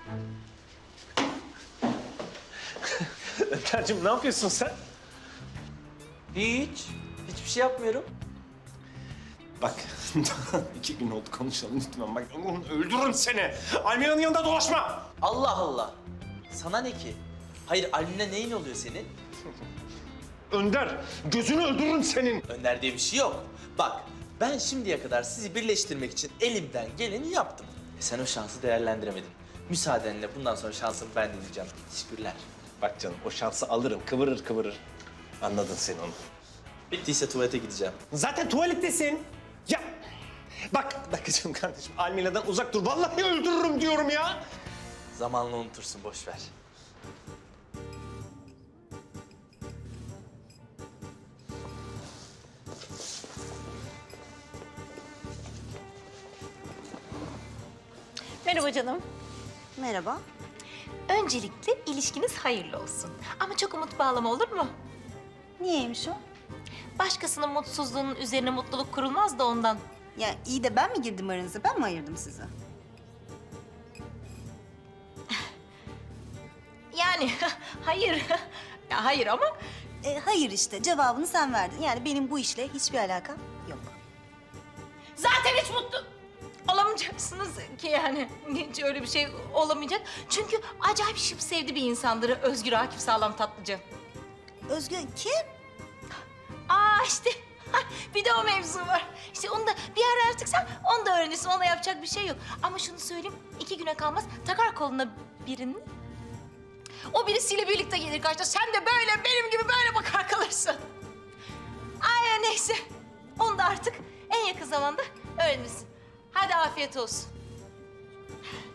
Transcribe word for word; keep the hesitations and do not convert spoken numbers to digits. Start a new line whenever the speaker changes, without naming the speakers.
Önder'cim ne yapıyorsun sen?
Hiç. Hiçbir şey yapmıyorum.
Bak iki gün oldu konuşalım lütfen. Bak öldürürüm seni. Almina'nın yanında dolaşma.
Allah Allah. Sana ne ki? Hayır, Almina neyin oluyor senin?
Önder gözünü öldürürüm senin.
Önder diye bir şey yok. Bak, ben şimdiye kadar sizi birleştirmek için elimden geleni yaptım. E sen o şansı değerlendiremedin. Müsaadenle bundan sonra şansımı ben deneyeceğim. Teşekkürler.
Bak canım o şansı alırım kıvırır kıvırır. Anladın sen onu.
Bittiyse tuvalete gideceğim.
Zaten tuvalettesin. Ya bak bak canım kardeşim Almina'dan uzak dur. Vallahi öldürürüm diyorum ya.
Zamanla unutursun, boş ver.
Merhaba canım.
Merhaba.
Öncelikle ilişkiniz hayırlı olsun. Ama çok umut bağlama, olur mu?
Niyeymiş o?
Başkasının mutsuzluğunun üzerine mutluluk kurulmaz da ondan.
Ya iyi de ben mi girdim aranıza? Ben mi ayırdım sizi?
Yani hayır. Ya hayır ama
E, hayır işte. Cevabını sen verdin. Yani benim bu işle hiçbir alakam yok.
zaten hiç mutlu olamayacaksınız ki yani. Hiç öyle bir şey olamayacak. Çünkü acayip şıp sevdi bir insandır Özgür Akif Sağlam Tatlıcı.
Özgür kim?
Aa işte bir de o mevzu var. İşte onu da bir ara artık sen onu da öğrenirsin. Ona yapacak bir şey yok. Ama şunu söyleyeyim, iki güne kalmaz takar koluna birini. O birisiyle birlikte gelir karşına. Sen de böyle benim gibi böyle bakar kalırsın. Ay neyse. Onu da artık en yakın zamanda öğrenirsin. Hadi afiyet olsun.